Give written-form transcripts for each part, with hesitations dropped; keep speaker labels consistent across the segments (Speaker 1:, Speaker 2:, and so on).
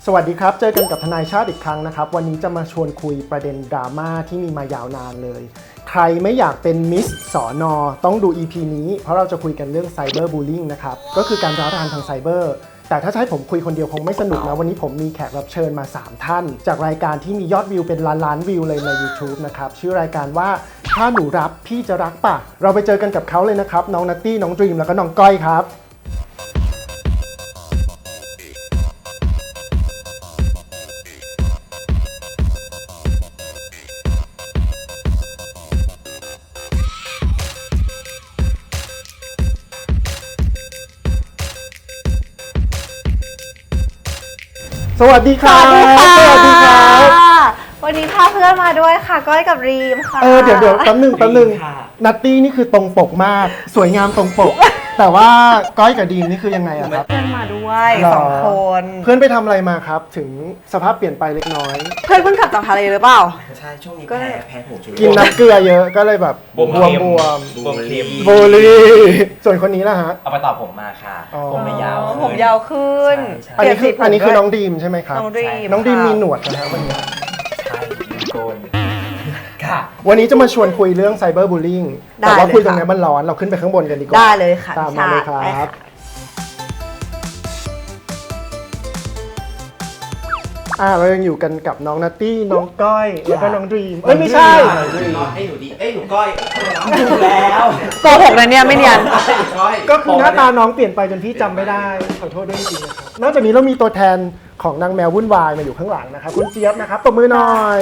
Speaker 1: สวัสดีครับเจอกันกับทนายชาติอีกครั้งนะครับวันนี้จะมาชวนคุยประเด็นดราม่าที่มีมายาวนานเลยใครไม่อยากเป็นมิสสอนอต้องดู EP นี้เพราะเราจะคุยกันเรื่องไซเบอร์บูลลิงนะครับก็คือการร้าวรานทางไซเบอร์แต่ถ้าให้ผมคุยคนเดียวคงไม่สนุกนะวันนี้ผมมีแขกรับเชิญมา3ท่านจากรายการที่มียอดวิวเป็นล้านวิวเลยใน YouTube นะครับชื่อรายการว่าถ้าหนูรับพี่จะรักป่ะเราไปเจอกันกับเขาเลยนะครับน้องนัตตี้น้องดรีมแล้วก็น้องก้อยครับสวัสดีครับสวัสดีครับ
Speaker 2: วันนี้พาเพื่อนมาด้วยค่ะก้อยกับรีมค่ะ
Speaker 1: เดี๋ยวแป๊บนึงนัตตี้นี่คือตรงปกมากสวยงามตรงปกแต่ว่าก้อยกับดีมนี่คือยังไงอะครับ
Speaker 2: เพื่อนมาด้วย2 คน
Speaker 1: เพื่อนไปทำอะไรมาครับถึงสภาพเปลี่ยนไปเล็กน้อย
Speaker 2: เพื่อนเพิ่งกลับจากทะเลหรือเปล่า
Speaker 3: ใช่ช่วงนี้แพ้ผงชูรส
Speaker 1: กินน้ำเกลือเยอะก็เลยแบบบวม
Speaker 3: เค็ม
Speaker 1: บูลลี่ส่วนคนนี้ล่ะฮะ
Speaker 3: เอาไปต่อผมมาค่ะผมไม่ยาว
Speaker 2: ผมยาวขึ้น
Speaker 1: อันนี้คือน้องดีมใช่ไหมครับน้องดีมมีหนวดนะฮะวันนี้
Speaker 3: ใช่โกนค่ะ
Speaker 1: วันนี้จะมาชวนคุยเรื่องไซเบอร์บูลลิงแต่ว่าคุยตรงนี้มันร้อนเราขึ้นไปข้างบนกันดีกว่า
Speaker 2: ได้เลยค่ะ
Speaker 1: ตามมาเลยครับเรายังอยู่กันกับน้องนัตตี้น้องก้อยแล้วก็น้องดรีมไม่ใช่
Speaker 3: หนูดีหนูก้อยถูกแล้ว
Speaker 2: โกหกนะเนี่ยไม่เนียน
Speaker 1: ก็คือหน้าตาน้องเปลี่ยนไปจนพี่จำไม่ได้ขอโทษด้วยจริงๆนะครับนอกจากนี้เรามีตัวแทนของนางแมววุ่นวายมาอยู่ข้างหลังนะครับคุณเจี๊ยบนะครับตบมือหน่อย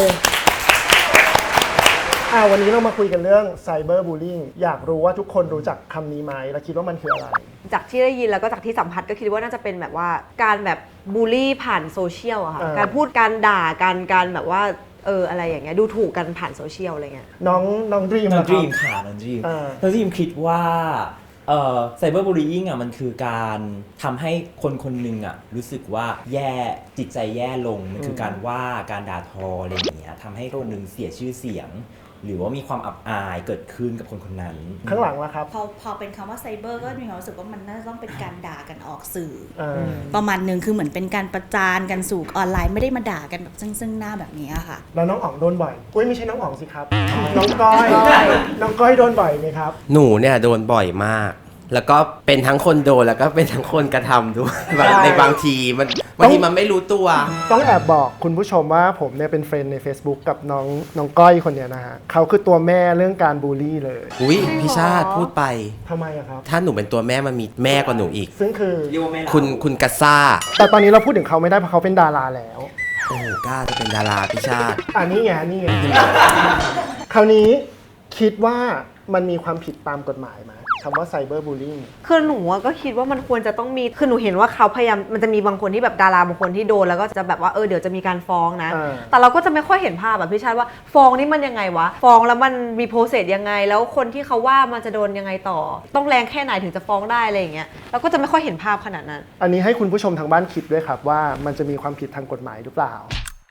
Speaker 1: วันนี้เรามาคุยกันเรื่องไซเบอร์บูลลิงอยากรู้ว่าทุกคนรู้จักคำนี้ไหมและคิดว่ามันคืออะไร
Speaker 2: จากที่ได้ยินแล้วก็จากที่สัมผัสก็คิดว่าน่าจะเป็นแบบว่าการแบบบูลลี่ผ่านโซเชียลอะค่ะการพูดการด่าการแบบว่าอะไรอย่างเงี้ยดูถูกกันผ่านโซเชียลอะไรเงี้ย
Speaker 1: น้องดรีม
Speaker 4: ค่ะน้องดรีมคิดว่าไซเบอร์บูลลี่อ่ะมันคือการทำให้คนหนึ่งอ่ะรู้สึกว่าแย่จิตใจแย่ลงมันคือการว่าการด่าทออะไรอย่างเงี้ยทำให้คนหนึ่งเสียชื่อเสียงหรือว่ามีความอับอายเกิดขึ้นกับคนนั้น
Speaker 1: ข้างหลังล่ะครับ
Speaker 5: พอเป็นคำว่าไซเบอร์ก็มีความรู้สึกว่ามันน่าจะต้องเป็นการด่ากันออกสื่อประมาณนึงคือเหมือนเป็นการประจานกันสู่ออนไลน์ไม่ได้มาด่ากันแบบซึ่งหน้าแบบนี้ค่ะ
Speaker 1: แล้วน้องอ๋องโดนบ่อยไม่ใช่น้องอ๋องสิครับน้องก้อยน้องก้อยโดนบ่อยไหมครับ
Speaker 3: หนูเนี่ยโดนบ่อยมากแล้วก็เป็นทั้งคนโดนแล้วก็เป็นทั้งคนกระทำด้วยในบางทีมันไม่รู้ตัว
Speaker 1: ต้องแอบบอกคุณผู้ชมว่าผมเนี่ยเป็นเฟรนด์ใน Facebook กับน้องก้อยคนเนี้ยนะฮะเขาคือตัวแม่เรื่องการบูลลี่เลย
Speaker 3: อุ้ยพี่ชาติพูดไป
Speaker 1: ทำไมอะครับ
Speaker 3: ถ้าหนูเป็นตัวแม่มันมีแม่กว่าหนูอีก
Speaker 1: ซึ่งคือ
Speaker 3: คุณกัสซ่า
Speaker 1: แต่ตอนนี้เราพูดถึงเขาไม่ได้เพราะเขาเป็นดาราแล้ว
Speaker 3: โอ้กล้าจะเป็นดาราพี่ชาติ
Speaker 1: นี่ไงคราวนี้คิดว่ามันมีความผิดตามกฎหมายไหมคำว่าไซเบอร์บูลลิง
Speaker 2: คือหนูก็คิดว่ามันควรจะต้องมีคือหนูเห็นว่าเขาพยายามมันจะมีบางคนที่แบบดาราบางคนที่โดนแล้วก็จะแบบว่าเดี๋ยวจะมีการฟ้องนะแต่เราก็จะไม่ค่อยเห็นภาพแบบพี่ชาติว่าฟ้องนี่มันยังไงวะฟ้องแล้วมันมีโปรเซสยังไงแล้วคนที่เขาว่ามันจะโดนยังไงต่อต้องแรงแค่ไหนถึงจะฟ้องได้อะไรอย่างเงี้ยเราก็จะไม่ค่อยเห็นภาพขนาดนั้น
Speaker 1: อันนี้ให้คุณผู้ชมทางบ้านคิดด้วยครับว่ามันจะมีความผิดทางกฎหมายหรือเปล่า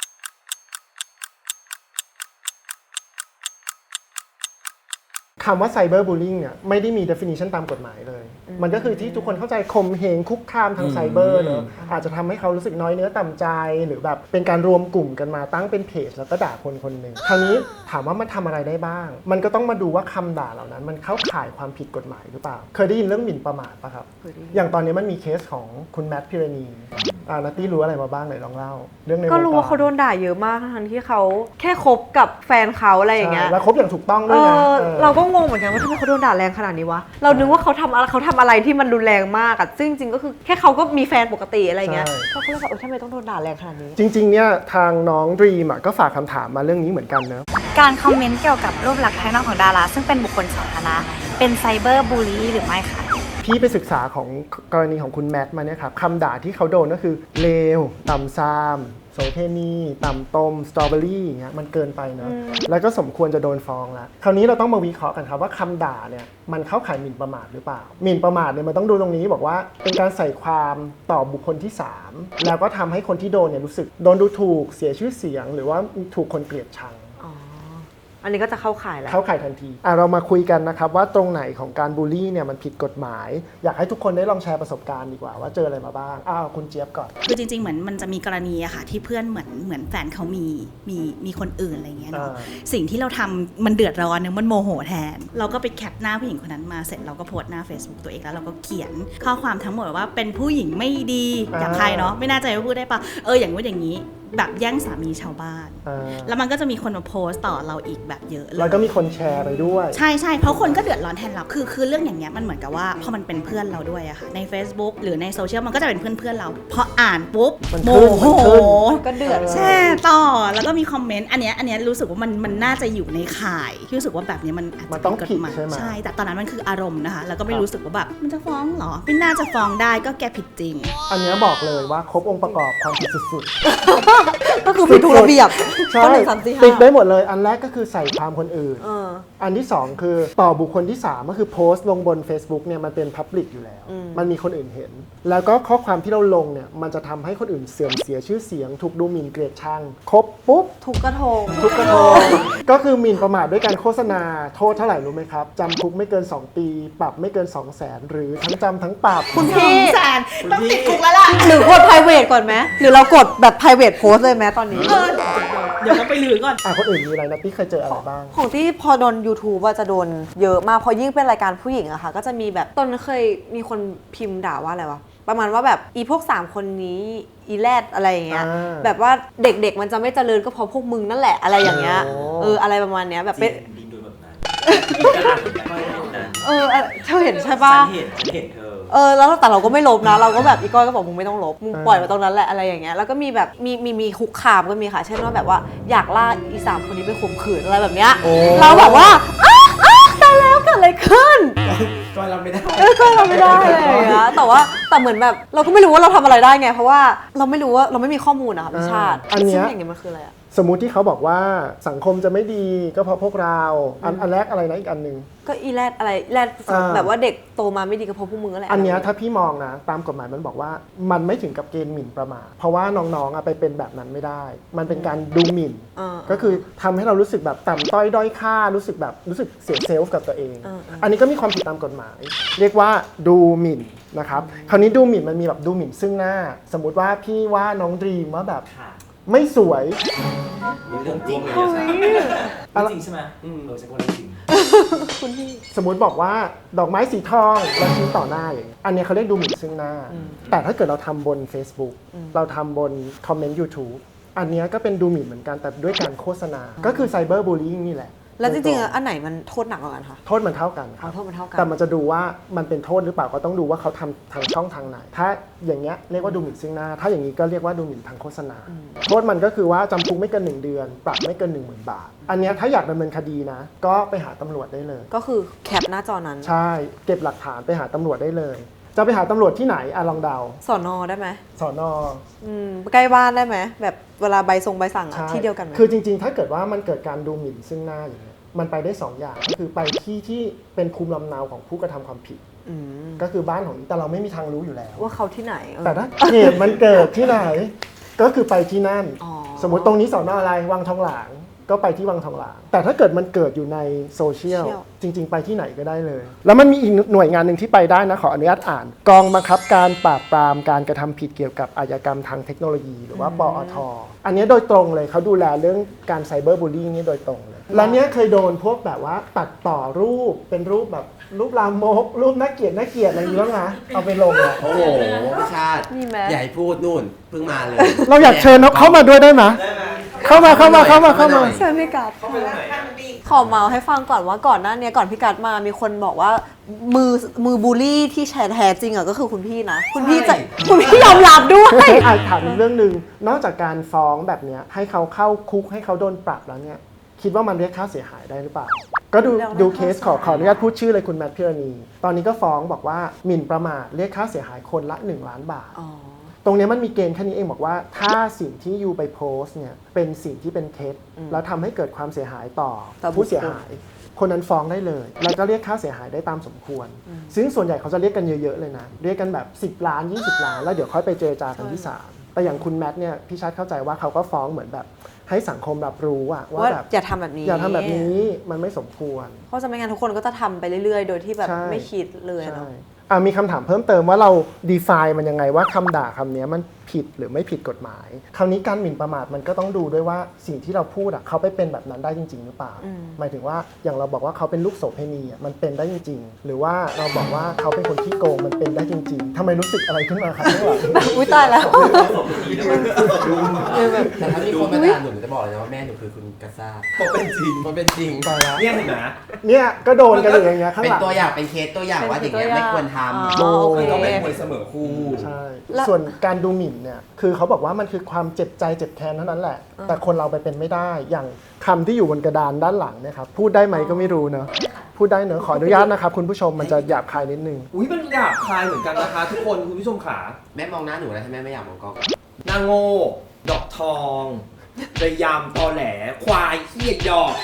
Speaker 1: คำว่าไซเบอร์บูลลิงเนี่ยไม่ได้มี definition ตามกฎหมายเลยมันก็คือที่ทุกคนเข้าใจข่มเหงคุกคามทางไซเบอร์เนอะอาจจะทำให้เขารู้สึกน้อยเนื้อต่ำใจหรือแบบเป็นการรวมกลุ่มกันมาตั้งเป็นเพจแล้วก็ด่าคนหนึ่งคราวนี้ถามว่ามันทำอะไรได้บ้างมันก็ต้องมาดูว่าคำด่าเหล่านั้นมันเข้าข่ายความผิดกฎหมายหรือเปล่าเคยได้ยินเรื่องหมิ่นประมาทปะครับอย่างตอนนี้มันมีเคสของคุณแมทพิรณีนัตตี้รู้อะไรมาบ้างเลยลองเล่าเรื่องใน
Speaker 2: ก็รู้ว่าเขาโดนด่าเยอะมากทั้งที่เขาแค่คบกับแฟนเขาอะไรอย่างเงี้ย
Speaker 1: แล้วคบอย่างถูกต้องด้วยนะ
Speaker 2: เราก็งงเหมือนกันว่าทำไมเขาโดนด่าแรงขนาดนี้วะเรานึกว่าเขาทำอะไรที่มันรุนแรงมากอะซึ่งจริงก็คือแค่เขาก็มีแฟนปกติอะไรเงี้ยเขาก็เลยบอกทำไมต้องโดนด่าแรงขนาดนี้
Speaker 1: จริงๆเนี่ยทางน้องดรีมก็ฝากคำถามมาเรื่องนี้เหมือนกันเนอะ
Speaker 5: การคอมเมนต์เกี่ยวกับรูปลักษณ์ภายนอกของดาราซึ่งเป็นบุคคลสาธารณะเป็นไซเบอร์บูลลี่หรือไม่คะ
Speaker 1: พี่ไปศึกษาของกรณีของคุณแมทมาเนี่ยครับคำด่าที่เขาโดนก็คือเลวต่ำซามโสเพณีต่ำต้มสตรอเบอรี่อย่างเงี้ยมันเกินไปเนอะแล้วก็สมควรจะโดนฟ้องแล้วคราวนี้เราต้องมาวิเคราะห์กันครับว่าคำด่าเนี่ยมันเข้าข่ายหมิ่นประมาทหรือเปล่าหมิ่นประมาทเนี่ยมันต้องดูตรงนี้บอกว่าเป็นการใส่ความต่อบุคคลที่3แล้วก็ทำให้คนที่โดนเนี่ยรู้สึกโดนดูถูกเสียชื่อเสียงหรือว่าถูกคนเกลียดชัง
Speaker 2: อันนี้ก็จะเข้าข่ายแล้ว
Speaker 1: เข้าข่ายทันทีเรามาคุยกันนะครับว่าตรงไหนของการบูลลี่เนี่ยมันผิดกฎหมายอยากให้ทุกคนได้ลองแชร์ประสบการณ์ดีกว่าว่าเจออะไรมาบ้างคุณเจี๊ยบก่อน
Speaker 5: คือจริงๆเหมือนมันจะมีกรณีอะค่ะที่เพื่อนเหมือนแฟนเขามีคนอื่นอะไรเงี้ยเนาะสิ่งที่เราทำมันเดือดร้อนเนี่ยมันโมโหแทนเราก็ไปแคปหน้าผู้หญิงคนนั้นมาเสร็จเราก็โพสต์หน้า Facebook ตัวเองแล้วเราก็เขียนข้อความทั้งหมดว่าเป็นผู้หญิงไม่ดีอย่างใครเนาะไม่น่าจะพูดได้ปะอย่างว่าอย่างนี้แบบแย่งสามีชาวบ้านแล้วมันก็จะมีคนมาโพสต์ต่อเราอีกแบบเยอะเลย
Speaker 1: แล้วก็มีคนแชร์ไปด้วย
Speaker 5: ใช่เพราะคนก็เดือดร้อนแทนเราคือเรื่องอย่างเงี้ยมันเหมือนกับว่าพอมันเป็นเพื่อนเราด้วยอะค่ะใน Facebook หรือในโซเชียลมันก็จะเป็นเพื่อนเราพออ่านปุ๊บโมโห
Speaker 2: ก็เดือด
Speaker 5: แช่ต่อแล้วก็มีคอมเมนต์อันเนี้ยรู้สึกว่ามันน่าจะอยู่ในข่ายที่รู้สึกว่าแบบนี้มันอาจจะ
Speaker 1: ต้องผิด
Speaker 5: ใช่แต่ตอนนั้นมันคืออารมณ์นะคะแล้วก็ไม่รู้สึกว่าแบบมันจะฟ้องเหรอไม่น่าจะฟ้องได้ก็แกผิดจริง
Speaker 1: อันนี้บอกเลยว่าครบองค์ประกอบความผิดสุด
Speaker 2: ก็คือผิดทุกระเบียบ
Speaker 1: ก็ติดได้หมดเลยอันแรกก็คือใส่ความคนอื่นอันที่2คือต่อบุคคลที่3ก็คือโพสต์ลงบน Facebook เนี่ยมันเป็น Public อยู่แล้วมันมีคนอื่นเห็นแล้วก็ข้อความที่เราลงเนี่ยมันจะทำให้คนอื่นเสื่อมเสียชื่อเสียงถูกดูหมิ่นเกลียดชังครบปุ๊บ
Speaker 2: ถูกกระทง
Speaker 1: ก็คือหมิ่นประมาทด้วยการโฆษณาโทษเท่าไหร่รู้ไหมครับจำคุกไม่เกิน2ปีปรับไม่เกิน 200,000 หรือทั้งจำทั้งปรับ
Speaker 2: คุณพี่
Speaker 5: 200,000ต้องติดคุกแล้วล่ะ
Speaker 2: หรือกด private ก่อนไหมหรือเรากดแบบ private post เลยไหมตอนนี้
Speaker 5: เดี๋ยวต้องไปลือก่อน
Speaker 1: คนอื่นมีอะไรนะพี่เคยเจออะไรบ้าง
Speaker 2: ของที่พอโดน YouTube ว่าจะโดนเยอะมากพอยิ่งเป็นรายการผู้หญิงอะค่ะก็จะมีแบบตอนเคยมีคนพิมพ์ด่าว่าอะไรวะประมาณว่าแบบอีพวก3คนนี้อีแรดอะไรอย่างเงี้ยแบบว่าเด็กๆมันจะไม่เจริญก็เพราะพวกมึงนั่นแหละอะไรอย่างเงี้ยอะไรประมาณเนี้ยแบบเป็นเธอเห็นใช่ปะ
Speaker 4: เห็นเธอ
Speaker 2: แล้วแต่เราก็ไม่ลบนะเราก็แบบอีก้อยก็บอกมึงไม่ต้องลบมึงปล่อยไว้ตรงนั้นแหละอะไรอย่างเงี้ยแล้วก็มีแบบมีคุกคามก็มีค่ะเช่นว่าแบบว่าอยากล่าอี3คนนี้ไปข่มขืนอะไรแบบเนี้ยเราแบบว่าตายแล้วเกิดอะไรขึ้น
Speaker 3: ก็เราไม่ได้
Speaker 2: ก็เราไม่ได้อะไรอย่างเงี้ยแต่เหมือนแบบเราก็ไม่รู้ว่าเราทำอะไรได้ไงเพราะว่าเราไม่รู้ว่าเราไม่มีข้อมูลอะค่ะพี่ชาติ
Speaker 1: อันนี้
Speaker 2: อย่างเงี้ยมันคืออะไรอะ
Speaker 1: สมมุติที่เขาบอกว่าสังคมจะไม่ดีก็เพราะพวกเราอันแรกอะไรนะอีกอันนึง
Speaker 2: ก็อีแรดอะไรแรดแบบว่าเด็กโตมาไม่ดีก็เพราะพวกมึงอะไร
Speaker 1: อันนี้ถ้าพี่มองนะตามกฎหมายมันบอกว่ามันไม่ถึงกับเกณฑ์หมิ่นประมาทเพราะว่าน้องๆไปเป็นแบบนั้นไม่ได้มันเป็นการดูหมิ่นก็คือทำให้เรารู้สึกแบบต่ำต้อยด้อยค่ารู้สึกเสียเซลฟ์กับตัวเองอันนี้ก็มีความผิดตามกฎหมายเรียกว่าดูหมิ่นนะครับคราวนี้ดูหมิ่นมันมีแบบดูหมิ่นซึ่งหน้าสมมุติว่าพี่ว่าน้องดรีมว่าแบบไม่สวย
Speaker 4: เรื่องจริงเลยจริงใช่ไหมใช่คนจริง
Speaker 2: คุณพี่
Speaker 1: สมมุติบอกว่าดอกไม้สีทองเราชี้ต่อหน้าอย่างอันนี้เขาเรียกดูหมิ่นซึ่งหน้าแต่ถ้าเกิดเราทำบน Facebook เราทำบนคอมเมนต์ YouTube อันนี้ก็เป็นดูหมิ่นเหมือนกันแต่ด้วยการโฆษณาก็คือไซเบอร์บูลลี่นี่แหละ
Speaker 2: แล้วจริงๆอันไหนมันโทษหนักกว่ากันคะ
Speaker 1: โทษมันเท่ากัน
Speaker 2: โทษมันเท่ากัน
Speaker 1: แต่มันจะดูว่ามันเป็นโทษหรือเปล่าก็ต้องดูว่าเขาทำทางช่องทางไหนถ้าอย่างเงี้ยเรียกว่าดูหมิ่นซึ่งหน้าถ้าอย่างนี้ก็เรียกว่าดูหมิ่นทางโฆษณาโทษมันก็คือว่าจำคุกไม่เกิน1 เดือนปรับไม่เกิน 10,000 บาทอันนี้ถ้าอยากดำเนินคดีนะก็ไปหาตำรวจได้เลย
Speaker 2: ก็คือแคปหน้าจอนั้น
Speaker 1: ใช่เก็บหลักฐานไปหาตำรวจได้เลยจะไปหาตำรวจที่ไหนลองเดา
Speaker 2: สน.ได้ไหม
Speaker 1: สน.
Speaker 2: ใกล้บ้านได้ไหมแบบเวลาใบสั่งที่เดียวกันไหม
Speaker 1: คือจริงๆถ้าเกิดว่ามันเกิดการดูหมิ่นซึ่งหน้าอย่างเงี้ยมันไปได้2 อย่างก็คือไปที่เป็นภูมิลำเนาของผู้กระทำความผิดก็คือบ้านของแต่เราไม่มีทางรู้อยู่แล้ว
Speaker 2: ว่าเขาที่ไหน
Speaker 1: แต่ถ้าเหตุมันเกิดที่ไหนก็คือไปที่นั่นสมมติตรงนี้สน.อะไรวังทองหลางก็ไปที่วังทองหลางแต่ถ้าเกิดมันเกิดอยู่ในโซเชียลจริงๆไปที่ไหนก็ได้เลยแล้วมันมีอีกหน่วยงานหนึ่งที่ไปได้นะขออนุญาตอ่านกองบังคับการปราบปรามการกระทำผิดเกี่ยวกับอาชญากรรมทางเทคโนโลยีหรือว่าปอท.อันนี้โดยตรงเลยเขาดูแลเรื่องการไซเบอร์บูลลี่นี่โดยตรงเลยแล้วเนี้ยเคยโดนพวกแบบว่าตัดต่อรูปเป็นรูปแบบรูปลามกรูปน่าเกลียดอะไรอย่างเงี้ยนะเอาไปลงอ่ะ
Speaker 3: โอ้โหพี่ชาติใหญ่พูดนู่นเพิ่งมาเลย
Speaker 1: เราอยากเชิญเขาเข้ามาด้วยได้ไหมเข้ามา
Speaker 2: เชิญพี่กัดขอเมาให้ฟังก่อนว่าก่อนหน้านี้ก่อนพี่กัดมามีคนบอกว่ามือบูลลี่ที่แท้จริงอ่ะก็คือคุณพี่นะคุณพี่ยอมรับด้วย
Speaker 1: ถามเรื่องนึงนอกจากการฟ้องแบบเนี้ยให้เขาเข้าคุกให้เขาโดนปรับแล้วเนี่ยคิดว่ามันเรียกค่าเสียหายได้หรือเปล่าก็ดูเคสขออนุญาตพูดชื่อเลยคุณแมทพิรณีตอนนี้ก็ฟ้องบอกว่าหมิ่นประมาทเรียกค่าเสียหายคนละ1 ล้านบาทตรงนี้มันมีเกณฑ์แค่นี้เองบอกว่าถ้าสิ่งที่ยูไปโพสต์เนี่ยเป็นสิ่งที่เป็นเท็จแล้วทำให้เกิดความเสียหายต่อผู้เสียหายคนนั้นฟ้องได้เลยแล้วก็เรียกค่าเสียหายได้ตามสมควรซึ่งส่วนใหญ่เขาจะเรียกกันเยอะๆเลยนะเรียกกันแบบ10 ล้าน20 ล้านแล้วเดี๋ยวค่อยไปเจรจากันที่ศาลแต่อย่างคุณแมทเนี่ยพี่ชาติเข้าใจว่าเขาก็ฟ้องเหมือนแบบให้สังคมรับรู้ว่า
Speaker 2: ว่า
Speaker 1: แบบ
Speaker 2: อย่าทำแบบนี้
Speaker 1: อย่าทำแบบนี้มันไม่สมควร
Speaker 2: เพราะจะไม่งั้นทุกคนก็จะทำไปเรื่อยๆ โดยที่แบบ
Speaker 1: ใช่
Speaker 2: ไม่คิดเลยเนาะ
Speaker 1: มีคำถามเพิ่มเติมว่าเรา define มันยังไงว่าคำด่าคำนี้มันผิดหรือไม่ผิดกฎหมายคราวนี้การหมิ่นประมาทมันก็ต้องดูด้วยว่าสิ่งที่เราพูดเขาไปเป็นแบบนั้นได้จริงๆหรือเปล่าหมายถึงว่าอย่างเราบอกว่าเขาเป็นลูกโสเภณีมันเป็นได้จริงๆหรือว่าเราบอกว่าเขาเป็นคนขี้โกงมันเป็นได้จริงๆทำไมรู้สึกอะไรขึ้นมาครับข้างหลัง
Speaker 2: อุ้ยตายแล้ว
Speaker 3: แต่ถ้ามีคนมาด่าหนูจะบอกเลยนะว่าแม่หนูคือคุณกาซ่าเพราะเป็นจริงเพราะเป็นจริง
Speaker 1: ไปแล้ว
Speaker 4: เนี่ยเห็นไหม
Speaker 1: เนี่ยก็โดนกันอยู่อย่างเงี้ยข้าง
Speaker 3: เป็น
Speaker 1: หลัง
Speaker 3: ตัวอย่างเป็นเคสตัวอย่างว่าอย่างเงี้ยไม่ควรทำ
Speaker 2: อ๋อโอเค
Speaker 4: มันต้องเป็นมวยเสมอคู่
Speaker 1: ใช่
Speaker 2: แล้ว
Speaker 1: ส่วนการดูหมิ่นเนี่ยคือเขาบอกว่ามันคือความเจ็บใจเจ็บแค้นเท่านั้นแหละ แต่คนเราไปเป็นไม่ได้อย่างคำที่อยู่บนกระดานด้านหลังเนี่ยครับพูดได้ไหมก็ไม่รู้เนอะพูดได้เนอะขออนุญาตนะครับคุณผู้ชมมันจะหยาบคายนิดนึง
Speaker 4: อุ้ยมันหยาบคายเหมือนกันนะคะ ทุกคนคุณผู้ชมขา
Speaker 3: แม่มองหน้าหนูแล้วใช่ไหมไม่อยากมองกล้อง
Speaker 4: นางโง่ดอกทองระยำตอแหลควายเหี้ยหยอก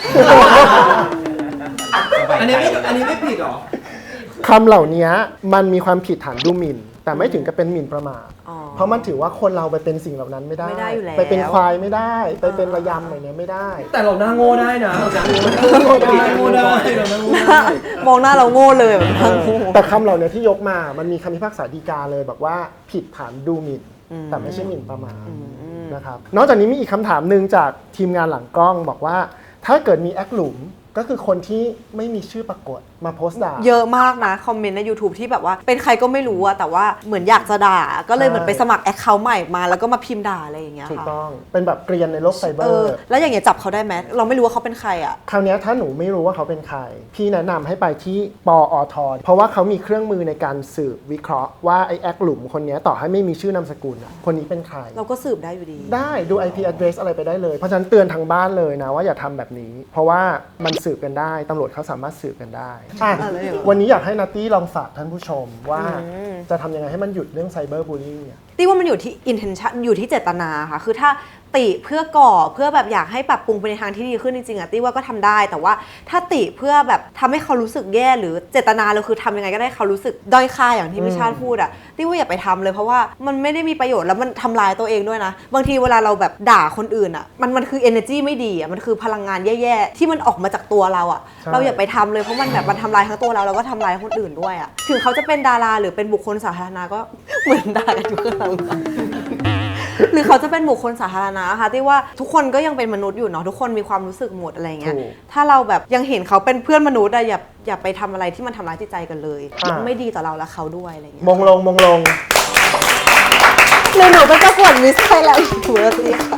Speaker 4: อันนี้ไม่ผิดหรอ
Speaker 1: คำเหล่านี้มันมีความผิดฐานดูหมิ่น แต่ไม่ถึงกับเป็นหมิ่นประมาท
Speaker 2: อ๋อ
Speaker 1: เพราะมันถือว่าคนเราไปเป็นสิ่งเหล่านั้นไม่ได้
Speaker 2: ไม่ได้อยู่แล้ว
Speaker 1: ไปเป็นควายไม่ได้ ไปเป็นระยำอะไรเนี้ยไม่ได้
Speaker 4: แต่เราหน้าโง่ได้นะเราหน้าโง่ได้เราหน้าโง่ได้
Speaker 2: มองหน้าเราโง่เลยแบบทั้งคู่
Speaker 1: แต่คำเหล่านี้ที่ยกมามันมีคำพิพากษาฎีกาเลยบอกว่าผิดฐานดูหมิ่น แต่ไม่ใช่หมิ่นประมาทนะครับนอกจากนี้มีอีกคำถามหนึ่งจากทีมงานหลังกล้องบอกว่าถ้าเกิดมีแอคหลุมก็คือคนที่ไม่มีชื่อปรากฏมาโพสต์ด่า
Speaker 2: เยอะมากนะคอมเมนต์ใน YouTube ที่แบบว่าเป็นใครก็ไม่รู้อะแต่ว่าเหมือนอยากจะด่า ก็เลยเหมือนไปสมัครแอคเคาท์ใหม่มาแล้วก็มาพิมพ์ด่าอะไรอย่างเงี้ย
Speaker 1: ถูก
Speaker 2: ค่ะ
Speaker 1: ต้องเป็นแบบเกรียนในโลกไซเบอร์
Speaker 2: แล้วอย่างเงี้ยจับเขาได้ไหมเราไม่รู้ว่าเขาเป็นใครอะ
Speaker 1: คราวนี้ถ้าหนูไม่รู้ว่าเขาเป็นใคร พี่แนะนำให้ไปที่ปอทเพราะว่าเขามีเครื่องมือในการสืบวิเคราะห์ว่าไอ้แอคหลุมคนนี้ต่อให้ไม่มีชื่อนามสกุลอะคนนี้เป็นใคร
Speaker 2: เราก็สืบได้อยู่ดี
Speaker 1: ได้ดู IP address อะไรไปได้เลย เพราะฉะนั้นเตือนทางบ้านเลยนะว่าอย่าทำแบบนี้ เพราะว่ามันสืบกันได้ตำรวจเขาสามารถสืบกันได้อ่ะ
Speaker 2: อะไรเหรอ
Speaker 1: วันนี้อยากให้นัตตี้ลองฝากท่านผู้ชมว่าจะทำยังไงให้มันหยุดเรื่องไซเบอร์บูล i ิ g เนี่ย
Speaker 2: ตี้ว่ามันอยู่ที่ intention อยู่ที่เจตนาค่ะคือถ้าติเพื่อก่อเพื่อแบบอยากให้ปรับปรุงไปในทางที่ดีขึ้นจริงๆอะตี้ว่าก็ทำได้แต่ว่าถ้าติเพื่อแบบทำให้เขารู้สึกแย่หรือเจตนาเราคือทำยังไงก็ได้เขารู้สึกด้อยค่าอย่างที่พี่ชาติพูดอะตี้ว่าอย่าไปทำเลยเพราะว่ามันไม่ได้มีประโยชน์แล้วมันทำลายตัวเองด้วยนะบางทีเวลาเราแบบด่าคนอื่นอะมันคือ energy ไม่ดีอะมันคือพลังงานแย่ๆที่มันออกมาจากตัวเราอะ
Speaker 1: ใช่
Speaker 2: เราอย่าไปทำเลยเพราะมันแบบมันทำลายทั้งตัวเราแล้วก็ทำลายคนอื่นด้วยอะถึงเขาจะเป็นดาราหรือเป็นบุคคลสาธารณะก็เหมือนด่ากันทุกคน หรือเขาจะเป็นบุคคลสาธารณะค่ะที่ว่าทุกคนก็ยังเป็นมนุษย์อยู่เนาะทุกคนมีความรู้สึกหมดอะไรเงี้ย
Speaker 1: ถูก
Speaker 2: ถ้าเราแบบยังเห็นเขาเป็นเพื่อนมนุษย์อะอย่าไปทำอะไรที่มันทำร้ายจิตใจกันเลย ไม่ดีต่อเราและเขาด้วยอะไรเงี้ย
Speaker 1: มงลง
Speaker 2: หรือหนูเป็นเจ้าของมิสไทยแลนด์ถูกแล้วสิค่ะ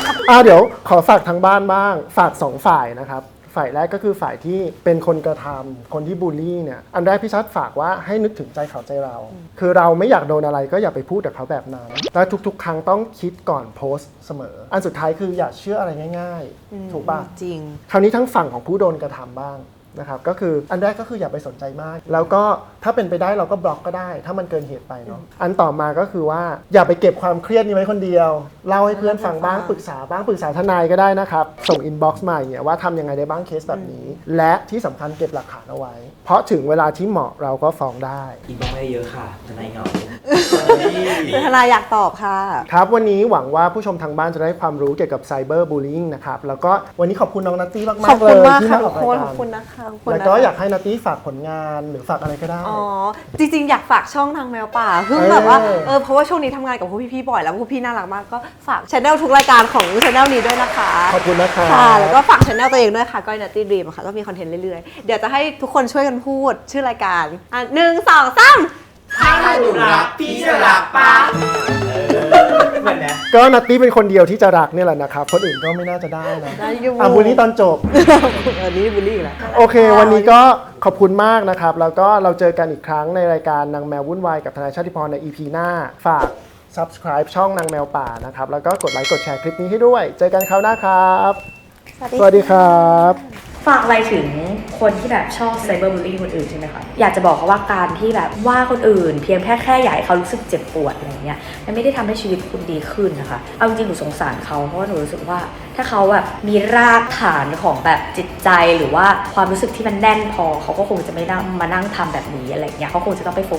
Speaker 1: เดี๋ยวขอฝากทางบ้านบ้างฝาก2ฝ่ายนะครับฝ่ายแรกก็คือฝ่ายที่เป็นคนกระทำคนที่บูลลี่เนี่ยอันแรกพี่ชัดฝากว่าให้นึกถึงใจเขาใจเรา คือเราไม่อยากโดนอะไรก็อย่าไปพูดกับเขาแบบนั้นและทุกๆ ครั้งต้องคิดก่อนโพสต์เสมอ อันสุดท้ายคืออย่าเชื่ออะไรง่ายๆ ถูกป่ะ
Speaker 2: จริง
Speaker 1: คราวนี้ทั้งฝั่งของผู้โดนกระทำบ้างนะครับก็คืออันแรกก็คืออย่าไปสนใจมาก แล้วก็ถ้าเป็นไปได้เราก็บล็อกก็ได้ ถ้ามันเกินเหตุไปเนาะอันต่อมาก็คือว่าอย่าไปเก็บความเครียดนี้ไว้คนเดียวเล่าให้เพื่อนฟังบ้างปรึกษาบ้างปรึกษาทนายก็ได้นะครับส่งอินบ็อกซ์มาอย่างเงี้ยว่าทำยังไงได้บ้างเคสแบบนี้ และที่สำคัญเก็บหลักฐานเอาไว้ เพราะถึงเวลาที่เหมาะเราก็ฟ้องได้
Speaker 4: อีกบ้างไม่เยอะค่ะทนายเหงา
Speaker 2: ทนายอยากตอบค่ะ
Speaker 1: ครับวันนี้หวังว่าผู้ชมทางบ้านจะได้ความรู้เกี่ยวกับไซเบอร์บูลลิงนะครับแล้วก็วันนี้ขอบคุณน้องนัตตี้มาก
Speaker 2: ขอบ
Speaker 1: ๆเล
Speaker 2: คุณ
Speaker 1: ย
Speaker 2: มาก
Speaker 1: ที่
Speaker 2: ค่ะ
Speaker 1: มาอ
Speaker 2: ทุ
Speaker 1: อก ก
Speaker 2: ค
Speaker 1: ราย
Speaker 2: นข
Speaker 1: กา
Speaker 2: อบ
Speaker 1: ร
Speaker 2: คุณนะคะขอบคุณ
Speaker 1: แล้ว
Speaker 2: นะคะ
Speaker 1: ก็อยากให้นัตตี้ฝากผลงานหรือฝากอะไรก็ได้
Speaker 2: อ๋อจริงๆอยากฝากช่องนางแมวป่าคือแบบว่าเพราะว่าช่วงนี้ทำงานกับพวกพี่ๆบ่อยแล้วพวกพี่น่ารักมากก็ฝากช anel ทุกรายการของช anel นี้ด้วยนะคะ
Speaker 1: ขอบคุณนะคะ
Speaker 2: ค่ะแล้วก็ฝากช anel ตัวเองด้วยค่ะก้อยนัตตี้ดรีมค่ะก็มีคอนเทนต์เรื่อยๆเดี๋ยวจะให้ทุกคนช่วยกันพูดชื่อรายการ1 2 3
Speaker 3: ถ้าหนูรักพี่จะรักปะ
Speaker 4: เหมือนนะ
Speaker 1: ก็นัตตี้เป็นคนเดียวที่จะรักเนี่ยแหละนะครับคนอื่นก็ไม่น่าจะได้นะ
Speaker 2: ได้อยู่
Speaker 1: บูลลี่ตอนจบ
Speaker 2: อันนี้บูลลี่อีกแล้ว
Speaker 1: โอเค วันนี้ก็ขอบคุณมากนะครับ แล้วก็เราเจอกันอีกครั้งในรายการนางแมววุ่นวายกับทนายชาติพรใน EP หน้า ฝาก subscribe ช่องนางแมวป่านะครับ แล้วก็กดไลค์กดแชร์คลิปนี้ให้ด้วย เจอกันคราวหน้าครับ สวัสดีครับ
Speaker 6: ฝากอะไรถึงคนที่แบบชอบไซเบอร์บูลลี่คนอื่นใช่ไหมคะอยากจะบอกเขาว่าการที่แบบว่าคนอื่น เพียงแค่อยากให้เขารู้สึกเจ็บปวดอะไรเงี้ยมันไม่ได้ทำให้ชีวิตคุณดีขึ้นนะคะเอาจริงๆหนูสงสารเขาเพราะว่าหนูรู้สึกว่าถ้าเขาแบบมีรากฐานของแบบจิตใจหรือว่าความรู้สึกที่มันแน่นพอเขาก็คงจะไม่นั่งมานั่งทำแบบนี้อะไรเงี้ยเขาคงจะต้องไปโฟกัสที่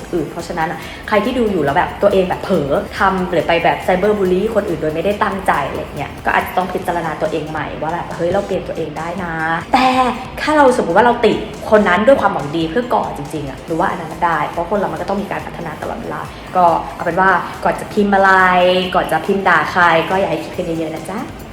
Speaker 6: อื่นเพราะฉะนั้นใครที่ดูอยู่แล้วแบบตัวเองแบบเผลอทำหรือไปแบบไซเบอร์บูลลี่คนอื่นโดยไม่ได้ตั้งใจอะไรเงี้ยก็อาจจะต้องพิจารณาตัวเองใหม่ว่าแบบเฮ้ยเราเปลี่ยนตัวเองได้นะแต่ถ้าเราสมมติว่าเราติดคนนั้นด้วยความหวังดีเพื่อก่อจริงๆหรือว่าอันนั้นได้เพราะคนเรามันก็ต้องมีการพัฒนาตลอดเวลาก็เอาเป็นว่าก่อนจะพิมพ์อะไรก่อนจะพิมพ์ด่าใครก็อย่าให้คิดกันเยอะๆนะจ๊ะ